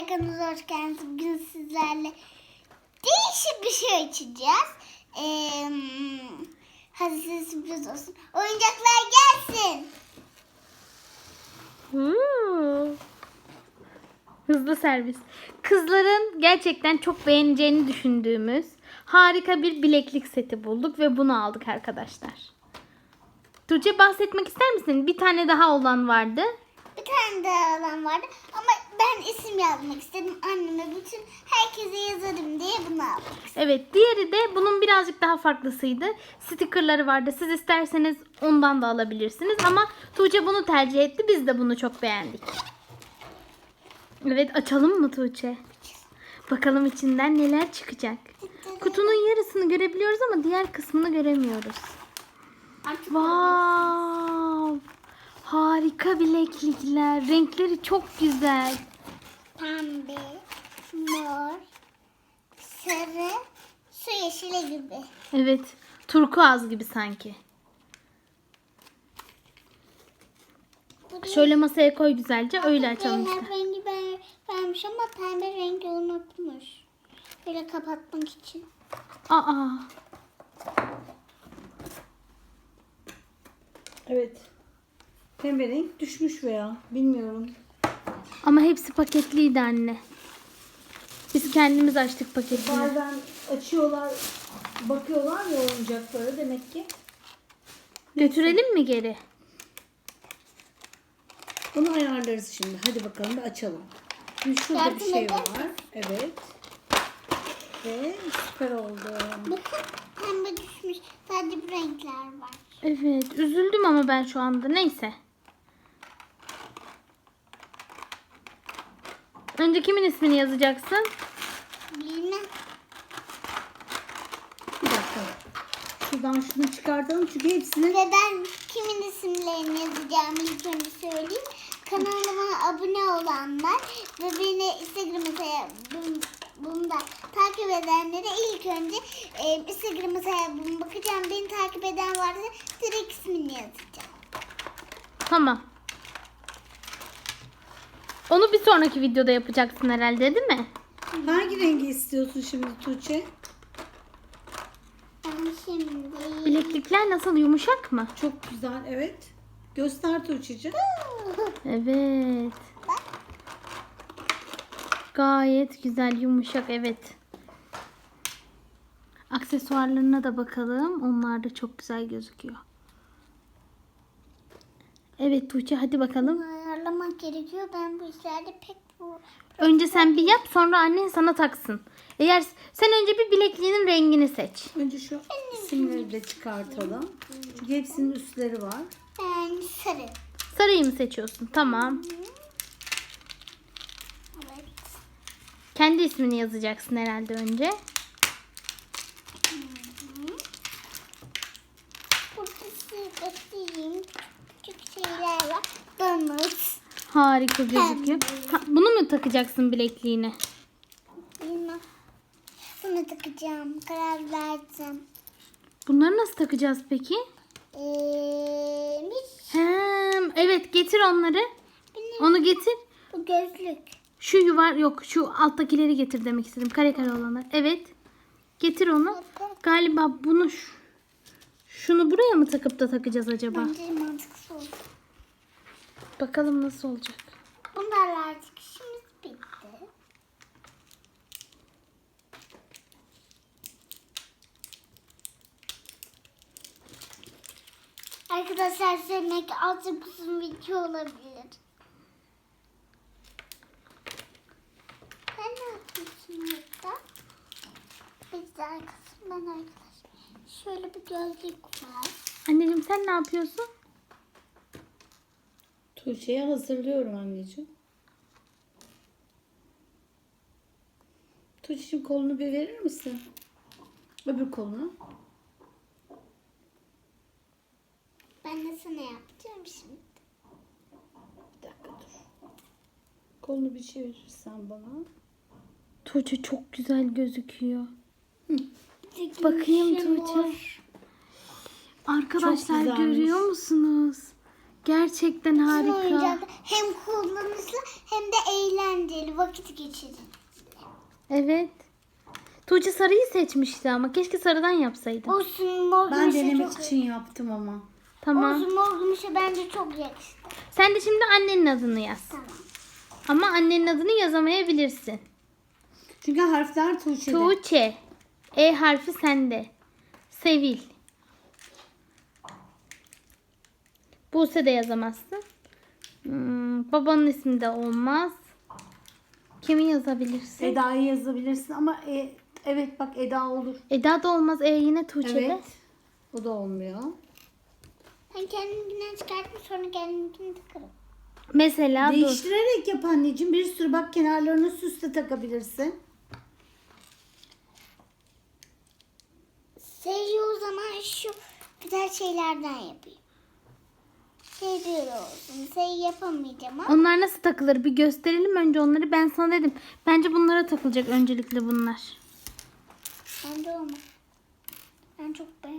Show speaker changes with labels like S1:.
S1: arkadaşlar, kanalımıza hoş geldiniz. Bugün sizlerle değişik bir şey açacağız. Hadi size sürpriz olsun. Oyuncaklar gelsin.
S2: Hızlı servis. Kızların gerçekten çok beğeneceğini düşündüğümüz harika bir bileklik seti bulduk ve bunu aldık arkadaşlar. Tuğçe, bahsetmek ister misin? Bir tane daha olan vardı.
S1: Bir tane daha alan vardı ama ben isim yazmak istedim. Anneme bütün herkese yazarım diye bunu aldım.
S2: Evet, diğeri de bunun birazcık daha farklısıydı. Stickerları vardı. Siz isterseniz ondan da alabilirsiniz ama Tuğçe bunu tercih etti. Biz de bunu çok beğendik. Evet, açalım mı Tuğçe? Bakalım içinden neler çıkacak. Kutunun yarısını görebiliyoruz ama diğer kısmını göremiyoruz. Wow! Harika bileklikler. Renkleri çok güzel.
S1: Pembe, mor, sarı, su yeşili gibi.
S2: Evet, turkuaz gibi sanki. Şöyle masaya koy güzelce, öyle açalım
S1: Her
S2: işte.
S1: rengi vermiş ama pembe rengi unutmuş. Böyle kapatmak için.
S2: Aa,
S3: Evet. Pembe renk düşmüş veya bilmiyorum.
S2: ama hepsi paketliydi anne. Biz kendimiz açtık paketini.
S3: Bazen açıyorlar, bakıyorlar ya oyuncaklara demek ki.
S2: Götürelim mi geri?
S3: Bunu ayarlarız şimdi. Hadi bakalım bir açalım. Şimdi şurada bir şey var. Evet. Ve süper oldu.
S1: Bakın pembe düşmüş. Sadece bu renkler var.
S2: Evet, üzüldüm ama ben şu anda. Neyse. Önce kimin ismini yazacaksın?
S1: Bilmem.
S3: Bir dakika. Şuradan şunu çıkartalım çünkü hepsini...
S1: Ve ben kimin isimlerini yazacağımı ilk önce söyleyeyim. Kanalıma abone olanlar ve beni Instagram hesabımda takip edenlere ilk önce Instagram hesabıma bakacağım. Beni takip eden varsa direkt ismini yazacağım.
S2: Tamam. Onu bir sonraki videoda yapacaksın herhalde, değil mi?
S3: Hangi rengi istiyorsun şimdi Tuğçe?
S1: Ben şimdi...
S2: Bileklikler nasıl, yumuşak mı?
S3: Çok güzel, evet. Göster Tuğçe'ciğim.
S2: Evet. Gayet güzel, yumuşak, evet. Aksesuarlarına da bakalım. Onlar da çok güzel gözüküyor. Evet Tuğçe, hadi bakalım.
S1: Ayarlamak gerekiyor. Ben bu işlerde pek bu...
S2: Önce sen bir yap, sonra annen sana taksın. Eğer sen önce bir bilekliğinin rengini seç.
S3: Önce şu isimleri de çıkartalım. Çünkü hepsinin üstleri var.
S1: Ben sarı.
S2: Sarıyı mı seçiyorsun? Tamam.
S1: Evet.
S2: Kendi ismini yazacaksın herhalde önce.
S1: Burada size göstereyim. Küçük şeyler var. Donut.
S2: Harika gözüküyor. Ha, bunu mu takacaksın bilekliğine?
S1: Bilmem. Bunu takacağım. Karar verdim.
S2: Bunları nasıl takacağız peki? Evet, getir onları. Onu getir.
S1: Bu gözlük.
S2: Şu yok, şu alttakileri getir demek istedim. Kare kare olanlar. Evet. Getir onu. Galiba bunu şunu buraya mı takıp da takacağız acaba?
S1: Bence mantıksız oldu.
S2: Bakalım nasıl olacak.
S1: Bunlarla artık işimiz bitti. Arkadaşlar söylemek azıcık uzun video olabilir. Sen ne yapıyorsun burada? Biz de arkasından arkadaşlar. Şöyle bir gözlük var.
S2: Anneciğim, sen ne yapıyorsun?
S3: Tuğçe'ye hazırlıyorum anneciğim. Tuğçe'cim kolunu bir verir misin? Öbür kolunu.
S1: Ben de sana yapacağım şimdi.
S3: Bir dakika dur. Kolunu bir çevirirsen bana.
S2: Tuğçe çok güzel gözüküyor.
S1: Tek
S2: Bakayım
S1: işim
S2: Tuğçe.
S1: var.
S2: Arkadaşlar
S3: güzelmiş.
S2: görüyor musunuz? Gerçekten
S1: Bu
S2: harika.
S1: oyuncak hem kullanışlı hem de eğlenceli. Hadi vakit geçirin.
S2: Evet. Tuğçe sarıyı seçmişti ama keşke sarıdan yapsaydı.
S1: Olsun mor
S3: Ben
S1: gümüşe
S3: denemek
S1: çok
S3: için yaptım ama.
S2: Tamam.
S1: Olsun mor gümüşe bence çok yakıştı.
S2: Sen de şimdi annenin adını yaz.
S1: Tamam.
S2: Ama annenin adını yazamayabilirsin.
S3: Çünkü harfler Tuğçe'de.
S2: Tuğçe. E harfi sende. Sevil. Buse de yazamazsın. Babanın ismi de olmaz. Kimi yazabilirsin?
S3: Eda'yı yazabilirsin ama evet bak Eda olur.
S2: Eda da olmaz. Yine Tuğçe'de.
S3: Evet. O da olmuyor.
S1: Ben kendimkinden çıkarttım sonra kendimkini takarım.
S2: Mesela dur.
S3: Değiştirerek yap anneciğim. Bir sürü bak kenarlarını süsle takabilirsin.
S1: Seyri o zaman şu güzel şeylerden yapayım. Seyri olsun. Seyri yapamayacağım ama.
S2: Onlar nasıl takılır? Bir gösterelim önce onları. Ben sana dedim. Bence bunlara takılacak öncelikle bunlar.
S1: Bence olmaz. Ben çok beğendim.